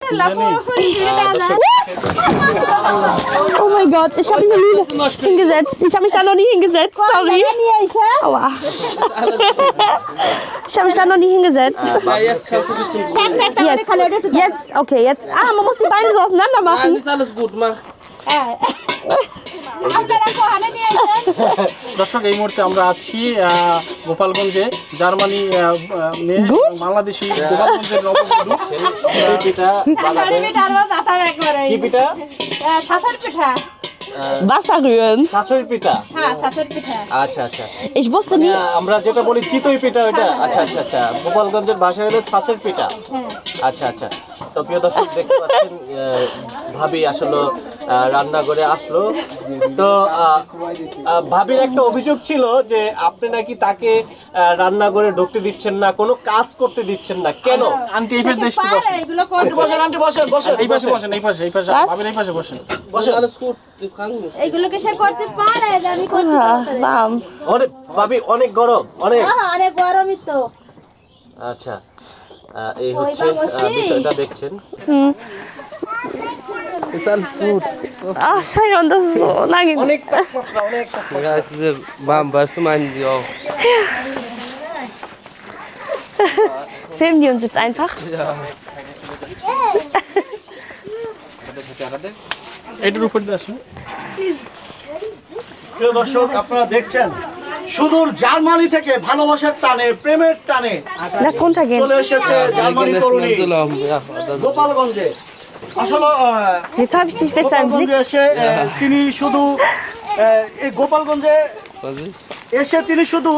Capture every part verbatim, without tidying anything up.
Oh mein Gott, ich habe mich noch nie hingesetzt. Ich habe mich da noch nie hingesetzt. Sorry. Aua. Ich habe mich da noch nie hingesetzt. Ja, jetzt kannst du ein bisschen Jetzt, jetzt, okay, jetzt. Ah, man muss die Beine so auseinander Nein, machen. ist alles gut, mach. দর্শক এই মুহূর্তে আমরা আছি আহ, গোপালগঞ্জে Germany আহ, আহ, মেয়ে এবং বাংলাদেশি গোপালগঞ্জের নববধূ কি পিঠা Wasser rühren. শাশুড়ির পিঠা আচ্ছা আচ্ছা Ich wusste nie. আমরা যেটা বলি চিতই পিঠা ওটা আচ্ছা আচ্ছা আচ্ছা গোপালগঞ্জের ভাষায় হলো ছাঁচের পিঠা আচ্ছা আচ্ছা তো প্রিয় দর্শক দেখতে পাচ্ছেন আহ, ভাবি আসলে আহ, রান্না করে আসলো তো আহ, আহ, ভাবির একটা অভিযোগ ছিল যে আপনি নাকি তাকে আহ, রান্না করে ঢুকতে দিচ্ছেন না কোনো কাজ করতে দিচ্ছেন না কেন আন্টি এই পাশে দেশটি বসেন আন্টি বসেন আন্টি বসেন বসেন এই পাশে বসেন এই পাশে এই পাশে ভাবির এই পাশে বসেন বসেন alles gut wir fragen nicht এইগুলোকে সে করতে পারে যে আমি করতে Ah, warm. অনেক ভাবি অনেক গরম অনেক হ্যাঁ অনেক গরমই তো আচ্ছা আহ, এই হচ্ছে আহ, বিষয়টা দেখছেন ist alles gut Ach, Scheiße, das ist so lange. অনেক তাপমাত্রা অনেক ja es ist warm weißt du meinen sie auch Filmen die uns jetzt einfach? এটার উপর দিয়ে আসুন প্রিয় দর্শক আপনারা দেখছেন সুদূর জার্মানি থেকে ভালোবাসার টানে প্রেমের টানে Lass runtergehen. চলে এসেছে জার্মানি তরুণী গোপালগঞ্জে আসলে আহ, Jetzt habe ich dich besser im Blick. গোপালগঞ্জে এসে আহ, তিনি শুধু আহ, এই গোপালগঞ্জে এসে তিনি শুধু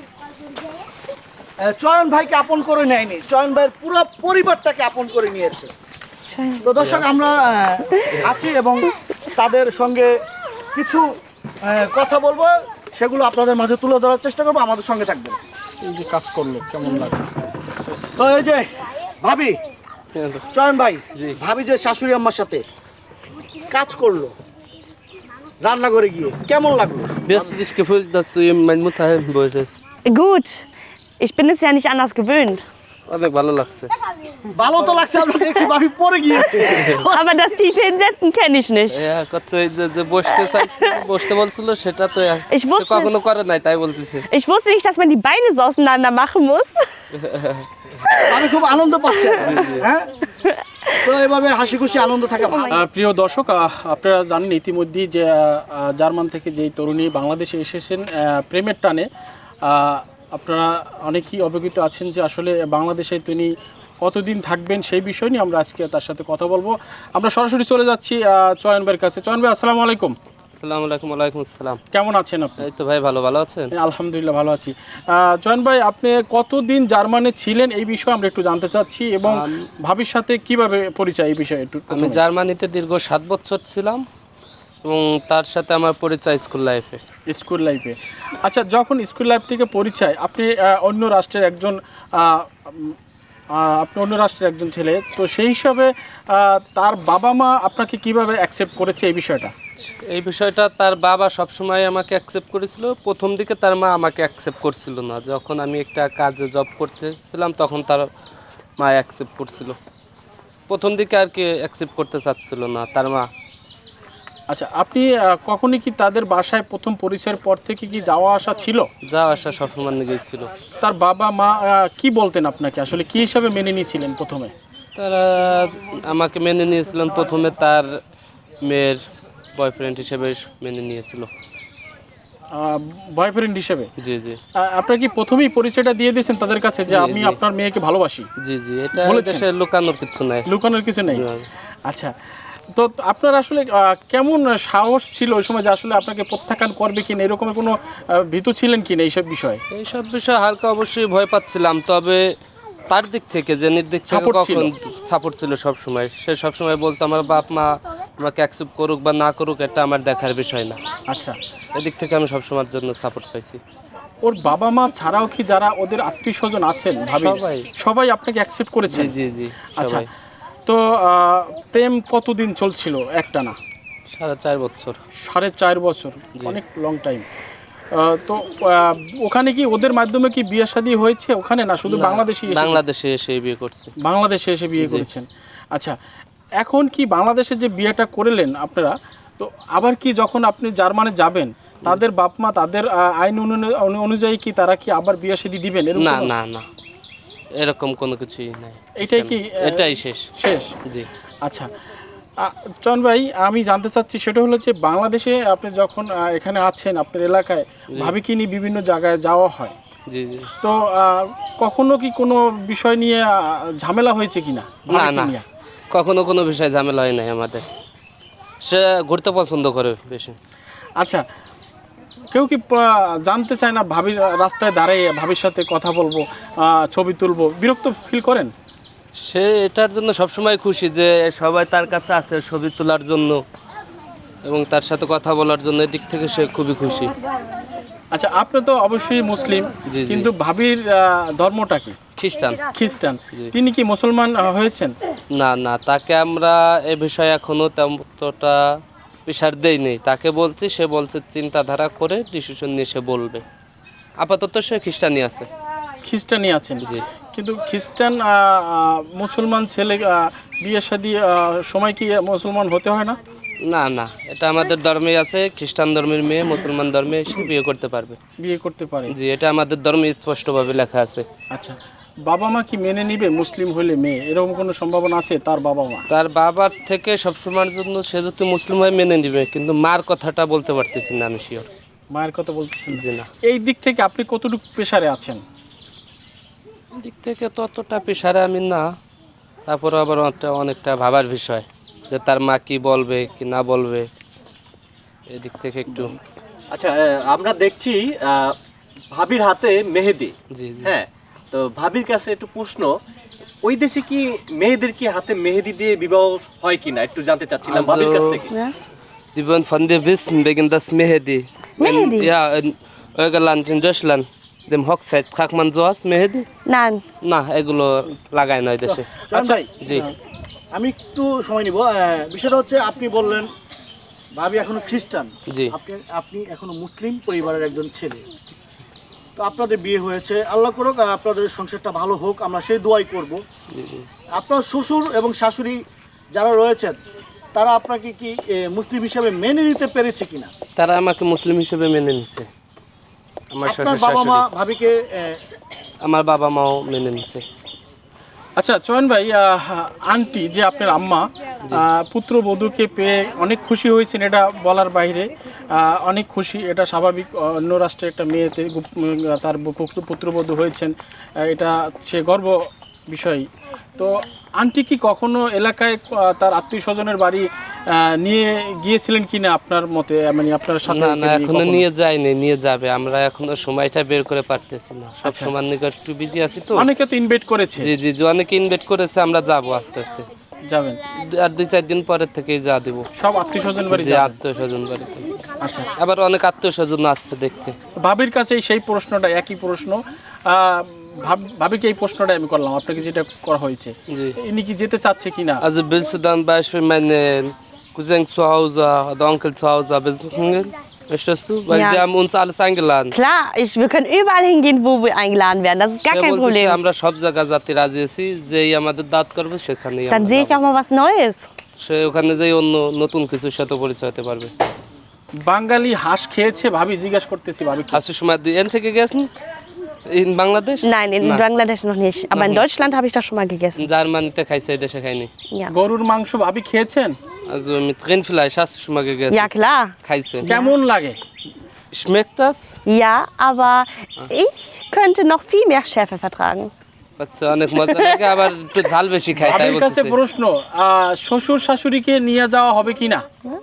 আহ, চয়ন ভাইকে আপন করে নেয়নি চয়ন ভাইয়ের পুরো পরিবারটাকে আপন করে নিয়েছে তো দর্শক আমরা আহ, আছি এবং তাদের সঙ্গে কিছু আহ, কথা বলবো সেগুলো আপনাদের মাঝে তুলে ধরার চেষ্টা করবো আমাদের সঙ্গে থাকবেন এই যে কাজ করলো কেমন লাগে তো এই যে ভাবি চয়ন ভাই ভাবি যে শাশুড়ি আম্মার সাথে কাজ করলো রান্না করে গিয়ে কেমন লাগলো Wie hast du dich gefühlt, dass du ihm meine Mutter helfen wolltest? Gut. Ich bin es ja nicht anders gewöhnt. অনেক ভালো লাগছে ভালো তো লাগছে আমরা দেখছি ভাবি পরে গিয়েছে Aber das tiefe Hinsetzen kenne ich nicht. হ্যাঁ কত যে যে বসতে চাইছিল বসতে বলছিল সেটা তো Ich wusste সে কখনো করে নাই তাই বলতেছে Ich wusste nicht, dass man die Beine so auseinander machen muss. আমি খুব আনন্দ পাচ্ছি হ্যাঁ তো এভাবে হাসি খুশি আনন্দ থাকে ভালো। আহ, প্রিয় দর্শক আহ, আপনারা জানেন ইতিমধ্যেই যে আহ, আহ, জার্মান থেকে যেই তরুণী বাংলাদেশে এসেছেন আহ, প্রেমের টানে আহ, আপনারা অনেকেই অবগত আছেন যে আসলে বাংলাদেশে তিনি কতদিন থাকবেন সেই বিষয় নিয়ে আমরা আজকে তার সাথে কথা বলবো আমরা সরাসরি চলে যাচ্ছি আহ, চয়ন ভাইয়ের কাছে চয়ন ভাই আসসালামু আলাইকুম আসসালামু আলাইকুম ওয়ালাইকুম আসসালাম কেমন আছেন আপনি এই তো ভাই ভালো ভালো আছেন আলহামদুলিল্লাহ ভালো আছি আহ, চয়ন ভাই আপনি কতদিন জার্মানে ছিলেন এই বিষয়ে আমরা একটু জানতে চাচ্ছি এবং ভাবির সাথে কিভাবে পরিচয় এই বিষয়ে একটু আমি জার্মানিতে দীর্ঘ সাত বছর ছিলাম এবং তার সাথে আমার পরিচয় স্কুল লাইফে স্কুল লাইফে আচ্ছা যখন স্কুল লাইফ থেকে পরিচয় আপনি আহ, অন্য রাষ্ট্রের একজন আহ, উম, আহ, আপনি অন্য রাষ্ট্রের একজন ছেলে তো সেই হিসাবে আহ, তার বাবা মা আপনাকে কিভাবে অ্যাকসেপ্ট করেছে এই বিষয়টা এই বিষয়টা তার বাবা সবসময় আমাকে অ্যাকসেপ্ট করেছিল প্রথম দিকে তার মা আমাকে অ্যাকসেপ্ট করছিল না যখন আমি একটা কাজে জব করতেছিলাম তখন তার মা অ্যাকসেপ্ট করছিল প্রথম দিকে আর কি অ্যাকসেপ্ট করতে চাচ্ছিল না তার মা আচ্ছা আপনি আহ, কখনই কি তাদের বাসায় প্রথম পরিচয়ের পর থেকে কি যাওয়া আসা ছিল যা আসা সবসময় গিয়েছিল তার বাবা মা আহ, কি বলতেন আপনাকে আসলে কি হিসাবে মেনে নিয়েছিলেন প্রথমে তারা আমাকে মেনে নিয়েছিলেন প্রথমে তার মেয়ের বয়ফ্রেন্ড হিসেবে মেনে নিয়েছিল বয়ফ্রেন্ড হিসেবে জি জি আহ, আপনার কি প্রথমেই পরিচয়টা দিয়ে দিয়েছেন তাদের কাছে যে জি, আমি জি। আপনার মেয়েকে ভালোবাসি জি জি এটা বলেছেন? দেশে লুকানোর কিছু নাই লুকানোর কিছু নেই না। আচ্ছা তো আপনার আসলে আহ, কেমন সাহস ছিল ওই সময় যে আসলে আপনাকে প্রত্যাখ্যান করবে কিনা এরকম কোনো আহ, ভীতু ছিলেন কিনা এইসব বিষয়ে এইসব বিষয়ে হালকা অবশ্যই ভয় পাচ্ছিলাম তবে তার দিক থেকে যে নির্দিক থেকে Support ছিল। কখন সাপোর্ট ছিল সব সময় সে সব সময় বলতো আমার বাপ মা আমাকে অ্যাকসেপ্ট করুক বা না করুক এটা আমার দেখার বিষয় না আচ্ছা এদিক থেকে আমি সবসময়ের জন্য সাপোর্ট পাইছি ওর বাবা মা ছাড়াও কি যারা ওদের আত্মীয় স্বজন আছেন ভাবি সবাই। সবাই আপনাকে অ্যাকসেপ্ট জি করেছেন জি জি আচ্ছা সবাই তো আহ, প্রেম কতদিন চলছিল একটানা সাড়ে চার বছর সাড়ে চার বছর অনেক লং টাইম তো আহ, ওখানে কি ওদের মাধ্যমে কি বিয়ে শাদী হয়েছে ওখানে না শুধু বাংলাদেশি এসে- বাংলাদেশে এসে বিয়ে করছে বাংলাদেশে এসে বিয়ে জি। করেছেন আচ্ছা, এখন কি বাংলাদেশে যে বিয়েটা করলেন আপনারা, তো আবার কি যখন আপনি জার্মানে যাবেন তাদের বাপ মা তাদের আহ, আইন অনু- অনু- অনুযায়ী কি তারা কি আবার বিয়ে শাদী দিবেন? এরকম না কোনো- না না এরকম কোনো কিছুই নাই। এটাই কি আহ, এটাই শেষ। শেষ? জি আচ্ছা, আহ, চয়ন ভাই, আমি জানতে চাচ্ছি সেটা হলো যে বাংলাদেশে আপনি যখন আহ, এখানে আছেন আপনার এলাকায় ভাবিকে নিয়ে বিভিন্ন জায়গায় যাওয়া হয়, জি জি তো আহ, কখনো কি কোনো বিষয় নিয়ে আহ, ঝামেলা হয়েছে কিনা না ভাবিকে না নিয়ে? কখনো কোনো বিষয় ঝামেলা হয় নাই আমাদের। সে ঘুরতে পছন্দ করে বেশি। আচ্ছা, কেউ কি আহ, জানতে চায় না ভাবির রাস্তায় দাঁড়িয়ে ভাবির সাথে কথা বলবো, আহ, ছবি তুলবো, বিরক্ত ফিল করেন? সে এটার জন্য সবসময় খুশি যে সবাই তার কাছে আছে ছবি তোলার জন্য এবং তার সাথে কথা বলার জন্য, এদিক থেকে সে খুবই খুশি। আচ্ছা, আপনি তো অবশ্যই মুসলিম, জি, জি। কিন্তু ভাবির আহ, ধর্মটা কি? খ্রিস্টান। খ্রিস্টান। জি। তিনি কি মুসলমান আহ, হয়েছেন? না না তাকে আমরা এ বিষয়ে এখনো তেমনটা প্রেশার দেই নেই। তাকে বলছি, সে বলছে চিন্তাধারা করে ডিসিশন নিয়ে সে বলবে। আপাতত সে খ্রিস্টানই আছে। খ্রিস্টানই আছেন? জি। কিন্তু খ্রিস্টান আহ, আহ, মুসলমান ছেলে আহ, বিয়ে শাদী আহ, সময় কি মুসলমান হতে হয় না? না না এটা আমাদের ধর্মেই আছে, খ্রিস্টান ধর্মের মেয়ে মুসলমান ধর্মে এসে বিয়ে করতে পারবে। বিয়ে করতে পারে? জি এটা আমাদের ধর্মে স্পষ্টভাবে লেখা আছে। আচ্ছা, বাবা মা কি মেনে নিবে মুসলিম হলে মেয়ে? এরকম কোনো সম্ভাবনা আছে তার বাবা মা? তার বাবার থেকে সবসময়ের জন্য সে যদি মুসলিম হয় মেনে নিবে, কিন্তু মার কথাটা বলতে পারতেছি না আমি শিওর। মায়ের কথা বলতেছেন? জি না। এই দিক থেকে আপনি কতটুকু প্রেসারে আছেন? দিক থেকে ততটা পেশারে আমি না, তারপরে আবার অনেকটা অনেকটা ভাবার বিষয় যে তার মা কি বলবে কি না বলবে, এদিক থেকে একটু। আচ্ছা, আহ, আমরা দেখছি আহ, ভাবির হাতে মেহেদি। জি জি হ্যাঁ, তো ভাবির কাছে একটু প্রশ্ন, ওই দেশে কি মেয়েদের কি হাতে মেহেদি দিয়ে বিবাহ হয় কিনা একটু জানতে চাচ্ছিলাম ভাবির কাছ থেকে। Was? Sie wollen von dir wissen wegen das Mehedi. Mehedi? In, ja, in euer Land, in Deutschland, dem Hochzeit, tragt man sowas, Mehedi? Nein. না এগুলো লাগায় না ওই দেশে। আচ্ছা, জি আমি একটু সময় নিব। আহ, বিষয়টা হচ্ছে আপনি বললেন ভাবি এখনো খ্রিস্টান, জি আপনি আপনি এখনো মুসলিম পরিবারের একজন ছেলে। তো আপনাদের বিয়ে হয়েছে, আল্লাহ করুক আহ, আপনাদের সংসারটা ভালো হোক, আমরা সেই দোয়াই করব। জি, জি। আপনার শ্বশুর এবং শাশুড়ি যারা রয়েছেন তারা আপনাকে কি এ, মুসলিম হিসাবে মেনে নিতে পেরেছে কিনা? তারা আমাকে মুসলিম হিসেবে মেনে নিচ্ছে। আমার আপনার শ্বশুর বাবা মা শাশুড়ি, ভাবিকে এ, আমার বাবা মাও মেনে নিচ্ছে। আচ্ছা চয়ন ভাই, আহ, আন্টি যে আপনার আম্মা আহ, পুত্রবধূকে পেয়ে অনেক খুশি হয়েছেন, এটা বলার বাইরে। আহ, অনেক খুশি, এটা স্বাভাবিক। অন্য রাষ্ট্রের একটা মেয়েতে গুপ- উম, তার পুত্র- পুত্রবধূ হয়েছেন, আহ, এটা সে গর্ব বিষয়। তো আন্টি কি কখনো এলাকায় আহ, তার আত্মীয় স্বজনের বাড়ি আহ, নিয়ে গিয়েছিলেন কিনা আপনার মতে, মানে আপনার সাথে না ওকে না নিয়ে এখনো কখনো? নিয়ে যায়নি, নিয়ে যাবে। আমরা এখনো সময়টা বের করে পারতেছি না, সব আচ্ছা। সময় নিকট একটু বিজি আছি তো। অনেকে তো ইনভাইট করেছে। জি জি জি অনেকে ইনভাইট করেছে, আমরা যাবো আস্তে আস্তে। যাবেন? দু- আর দুই চার দিন পরের থেকেই যা দিব। সব আত্মীয় স্বজন বাড়ি যে যাবেন? আত্মীয় স্বজন বাড়িতে, আচ্ছা, আবার অনেক আত্মীয় স্বজন আসছে দেখতে। ভাবির কাছে সেই প্রশ্নটা একই প্রশ্ন। আহ, ভাব- ভাবিকে এই প্রশ্নটা আমি করলাম, আপনাকে যেটা করা হয়েছে, জি ইনি কি যেতে চাচ্ছে কিনা? Also willst du dann Beispiel meinen Cousin zu Hause oder Onkel zu Hause besuchen gehen? Möchtest du? Weil Ja. die haben uns alles eingeladen. Klar, ich, wir können überall hingehen, wo wir eingeladen werden. Das ist gar সে kein বলতেছে, Problem. আমরা সব জায়গা যাতে রাজি আছি, যেই আমাদের দাঁত করবে সেখানেই Dann আমরা sehe ich যাবো। auch mal was Neues. সে ওখানে যেই অন্য নতুন কিছুর সাথে পরিচয় হতে পারবে। বাঙালি হাঁস খেয়েছে? ভাবি জিজ্ঞাসা করতেছি ভাবি। Hast du schon mal die Ente gegessen? In Bangladesh? Nein, in Na. Bangladesch noch nicht. Aber in Deutschland habe ich das schon mal gegessen. জার্মানিতে খাইছে, এই দেশে খাইনি। Ja. গরুর মাংস ভাবি খেয়েছেন? Also mit Rindfleisch hast du schon mal gegessen? Ja, klar. খাইছে। কেমন লাগে? Schmeckt das? Ja, aber ich könnte noch viel mehr Schärfe vertragen. আচ্ছা অনেক মজা লাগে, আবার একটু ঝাল বেশি খাই তাই ভাবির কাছে বলতেছে। প্রশ্ন, আহ, শ্বশুর শাশুড়িকে নিয়ে যাওয়া হবে কিনা?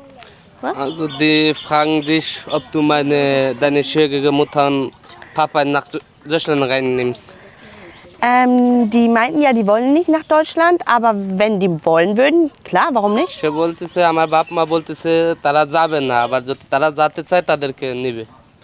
Also die fragen dich, ob du meine, deine schwierige Mutter und Papa nach Deutschland reinnimmst. Ähm, die meinten ja, die wollen nicht nach Deutschland, aber wenn die wollen würden, klar, warum nicht? সে বলতেছে, আমার বাপ মা বলতেছে তারা যাবে না, আবার যদি তারা যেতে চায় তাদেরকে নিবে।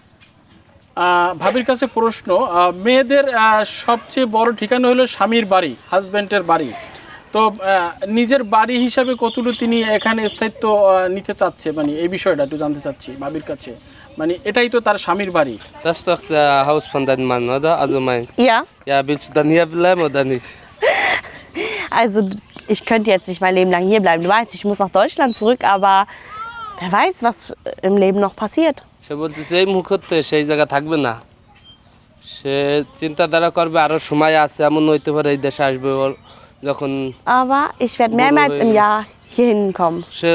আহ, ভাবির কাছে প্রশ্ন, আহ, মেয়েদের আহ, সবচেয়ে বড় ঠিকানা হলো স্বামীর বাড়ি, হাজব্যান্ডের বাড়ি। তো আহ, নিজের বাড়ি হিসাবে কতটুকু তিনি এখানে স্থায়িত্ব আহ, নিতে চাচ্ছে, মানে এই বিষয়টা একটু জানতে চাচ্ছি ভাবির কাছে। মানে এটাই তো তার স্বামীর বাড়ি। Das ist doch der Haus von deinem Mann, oder? Also mein. Ja, Ja, willst du dann hier bleiben oder nicht? also ich könnte jetzt nicht mein Leben lang hier bleiben. Du weißt, ich muss nach Deutschland zurück, aber wer weiß, was im Leben noch passiert. সে বলতেছে এই মুহূর্তে সেই জায়গা থাকবে না, সে চিন্তাধারা করবে আরো সময় আছে, এমন হইতে পারে এই দেশে আসবে ওর যখন Aber ich werde mehrmals im Jahr hier hinkommen. সে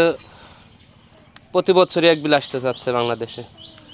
প্রতি বছরই এক বিল আসতে চাচ্ছে বাংলাদেশে।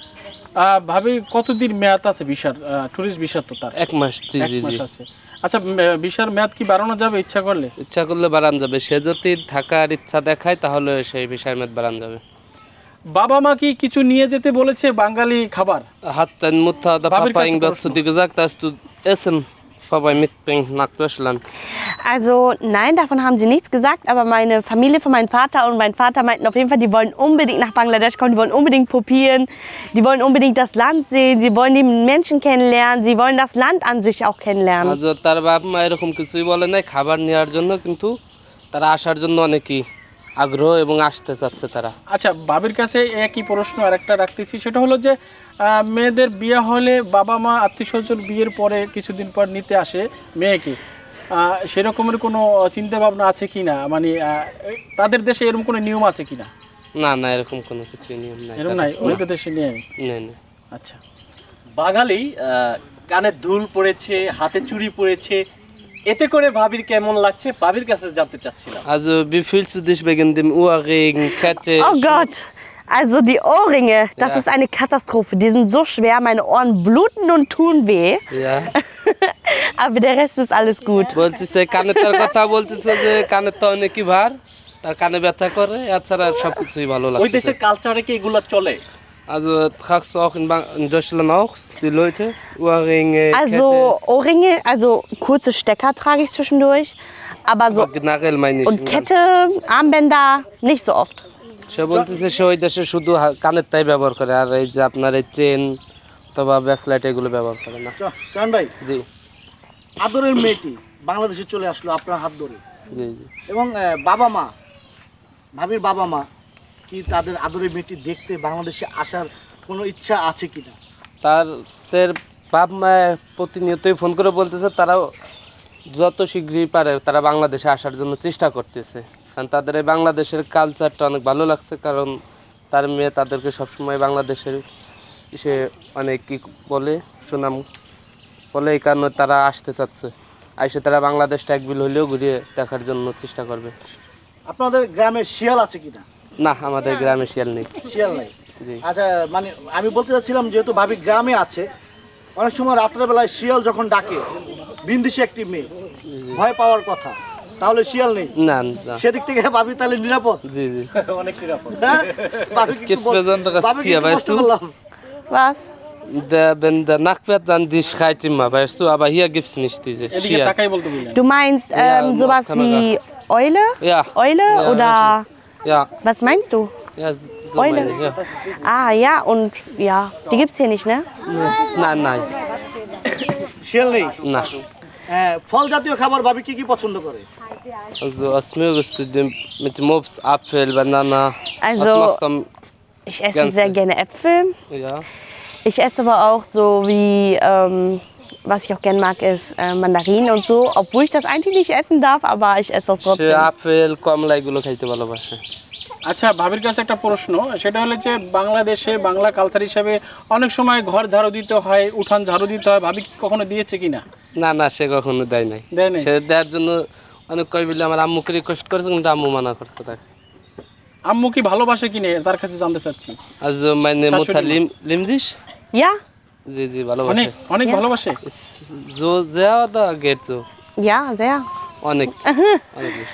আহ, ভাবি কতদিন মেয়াদ আছে ভিসার? ট্যুরিস্ট ভিসা তো তার এক মাস। জি এক জি মাস জি আছে। আচ্ছা, মে- ভিসার মেয়াদ কি বাড়ানো যাবে ইচ্ছা করলে? ইচ্ছা করলে বাড়ান যাবে, সে যদি থাকার ইচ্ছা দেখায় তাহলে সেই বিষয়ের মেদ বাড়ান যাবে। বাবা মা কি কিছু নিয়ে যেতে বলেছে বাঙালি খাবার? Hat deine Mutter oder Babel, Papa kannst du irgendwas zu Prost dir gesagt, dass du Essen vorbei mitbringst nach Deutschland? Also nein, davon haben sie nichts gesagt, aber meine Familie von meinem Vater und mein Vater meinten auf jeden Fall, die wollen unbedingt nach Bangladesch kommen, die wollen unbedingt probieren, die wollen unbedingt das Land sehen, sie wollen die Menschen kennenlernen, sie wollen das Land an sich auch kennenlernen. Also তার বাপ মা এরকম কিছুই বলে নাই খাবার নেওয়ার জন্য, কিন্তু তারা আসার জন্য অনেকই আগ্রহ এবং আসতে চাচ্ছে তারা। আচ্ছা, ভাবির কাছে একই প্রশ্ন আরেকটা রাখতেছি, সেটা হলো যে আহ, মেয়েদের বিয়ে হলে বাবা মা আত্মীয় স্বজন বিয়ের পরে কিছুদিন পর নিতে আসে মেয়েকে, আহ, সেরকমের কোনো চিন্তা ভাবনা আছে কি না? মানে আহ, এই- তাদের দেশে এরকম কোনো নিয়ম আছে কি না? না না এরকম কোনো কিছু নিয়ম নাই এরকম নাই, ওদের দেশে নিয়ে। নেই নেই। আচ্ছা, বাঙালি আহ, কানে দুল পড়েছে, হাতে চুড়ি পড়েছে, এতে করে ভাবির কেমন লাগছে ভাবির কাছে জানতে চাচ্ছিলাম। Also wie fühlst du dich wegen dem Ohrring, Kette? Oh Gott, also die Ohrringe, das Ja. ist eine Katastrophe, die sind so schwer, meine Ohren bluten und tun weh, Ja, aber der Rest ist alles gut. বলতেছে কানে তার কথা বলতেছে যে কানে তো অনেকই ভার, তার কানে ব্যথা করে, এছাড়া সব কিছুই ভালো ওই লাগছে। দেশের কালচারে কি এগুলো চলে? Also tragst du auch in, Bang in Deutschland auch die Leute Ohrringe, Also Ohrringe, also kurze Stecker trage ich zwischendurch, aber Kette? so Aber generell meine ich. und Kette, Armbänder nicht so oft. সে বলতেছে সে ওই দেশে শুধু হা- কানেরটাই ব্যবহার করে, আর এই যে আপনার এই চেন অথবা ব্রেসলেট এগুলো ব্যবহার করে না। চ- চয়ন ভাই, জি আদরের মেয়েটি বাংলাদেশে চলে আসলো আপনার হাত ধরে, জি জি। এবং আহ, বাবা মা, ভাবির বাবা মা কি তাদের আদরের মেয়েটি দেখতে বাংলাদেশে আসার কোনো ইচ্ছা আছে কিনা? তাদের বাপ মায়ের প্রতিনিয়তই ফোন করে বলতেছে তারাও যত শীঘ্রই পারে তারা বাংলাদেশে আসার জন্য চেষ্টা করতেছে, কারণ তাদের এই বাংলাদেশের কালচারটা অনেক ভালো লাগছে, কারণ তার মেয়ে তাদেরকে সবসময় বাংলাদেশের সে অনেক কি বলে সুনাম বলে, এই কারণে তারা আসতে চাচ্ছে, আইসে তারা বাংলাদেশটা এক বিল হলেও ঘুরিয়ে দেখার জন্য চেষ্টা করবে। আপনাদের গ্রামে শিয়াল আছে কিনা? না, আমাদের গ্রামে শিয়াল নেই। শিয়াল নাই। জি। আচ্ছা, মানে আমি বলতে চাচ্ছিলাম যেহেতু ভাবি গ্রামে আছে, অনেক সময় রাত্রেবেলায় শিয়াল যখন ডাকে, ভিনদেশি একটি মেয়ে, ভয় পাওয়ার কথা, তাহলে শিয়াল নেই, না না। সেদিক থেকে ভাবি তাহলে নিরাপদ? জি জি। অনেক নিরাপদ। হ্যাঁ? ভাবিকে একটু gibt's বল- besonderes ভাবিকে Tier, একটু weißt বলতে du? বললাম। Was? Der, wenn der Nacht wird, dann die schreit immer, weißt du, aber hier gibt's nicht diese এদিকে Schier. তাকাই বলতে বললেন। Du meinst Ja, ähm, sowas Kamera. wie Eule? Ja. Eule Ja, oder Ja, was meinst du? ja, so Eule. meine ich, ja. Ah ja, und ja, die gibt's hier nicht, ne? Nein, nein, শিয়াল নেই। na. হ্যাঁ, ফল জাতীয় খাবার ভাবি কি কি পছন্দ করে? Also was mögest du denn mit dem Obst, Apfel, Banana? Also- was machst du am, Ich esse Ganz sehr gut. gerne Äpfel. ja? Ich esse aber auch so wie, ähm, was ich auch gerne mag, ist äh, Mandarinen und so. Obwohl ich das eigentlich nicht essen darf, aber ich esse das সে trotzdem. Apple কমলা এগুলো খাইতে ভালোবাসে। আচ্ছা, ভাবির কাছে একটা প্রশ্ন, সেটা হলো যে বাংলাদেশে বাংলা কালচার হিসাবে অনেক সময় ঘর ঝাড়ু দিতে হয়, উঠান ঝাড়ু দিতে হয়, ভাবি কি কখনো দিয়েছে কিনা? না না, সে কখনো দেয় নাই। দেয় নাই? সে দেওয়ার জন্য অনেক কই বলে আমার আম্মুকে রিকোয়েস্ট করেছে, কিন্তু আম্মু মানা করছে তাকে। আম্মু কি ভালোবাসে কিনে তার কাছে জানতে চাচ্ছি। Also meine Mutter Entschuldigung. lieb, liebt dich? Ja? জি জি অনেক ভালোবাসে। অনেক ভালোবাসে। Ist so sehr oder geht so? Ja, sehr. অনেক অনেক বেশি।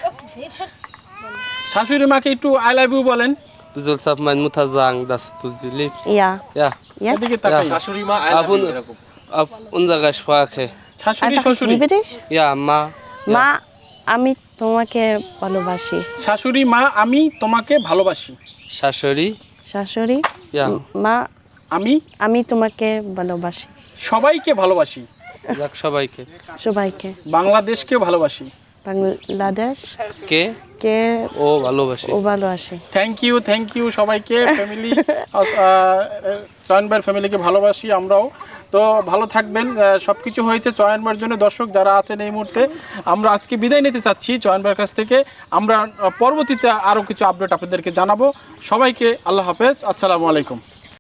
শাশুড়ি মাকে একটু আই লাভ ইউ বলেন। Du sollst auf meine Mutter sagen, dass du sie liebst. Ja. Ja, Jetzt? এদিকে তাকাই। শাশুড়ি মা I auf, love you un এরকম। auf unserer Sprache. শাশুড়ি Einfach, ich শ্বশুরি। liebe dich. Ja, Ma. Ma, আমি তোমাকে ভালোবাসি। শাশুড়ি মা, আমি তোমাকে ভালোবাসি। Shashori. শাশুড়ি, Ja. মা, আমি আমি তোমাকে ভালোবাসি। সবাইকে ভালোবাসি, Sag সবাইকে। সবাইকে। বাংলাদেশকে ভালোবাসি। বাংলাদেশ কে কে ও ভালোবাসে। ও ভালোবাসে। থ্যাংক ইউ থ্যাংক ইউ সবাইকে, ফ্যামিলি চয়ন ভাইয়ের ফ্যামিলিকে ভালোবাসি আমরাও। তো ভালো থাকবেন, সব কিছু হয়েছে চয়ন ভাইয়ের জন্য। দর্শক যারা আছেন এই মুহূর্তে, আমরা আজকে বিদায় নিতে চাচ্ছি চয়ন ভাইয়ের কাছ থেকে। আমরা পরবর্তীতে আরও কিছু আপডেট আপনাদেরকে জানাবো। সবাইকে আল্লাহ হাফেজ, আসসালামু আলাইকুম।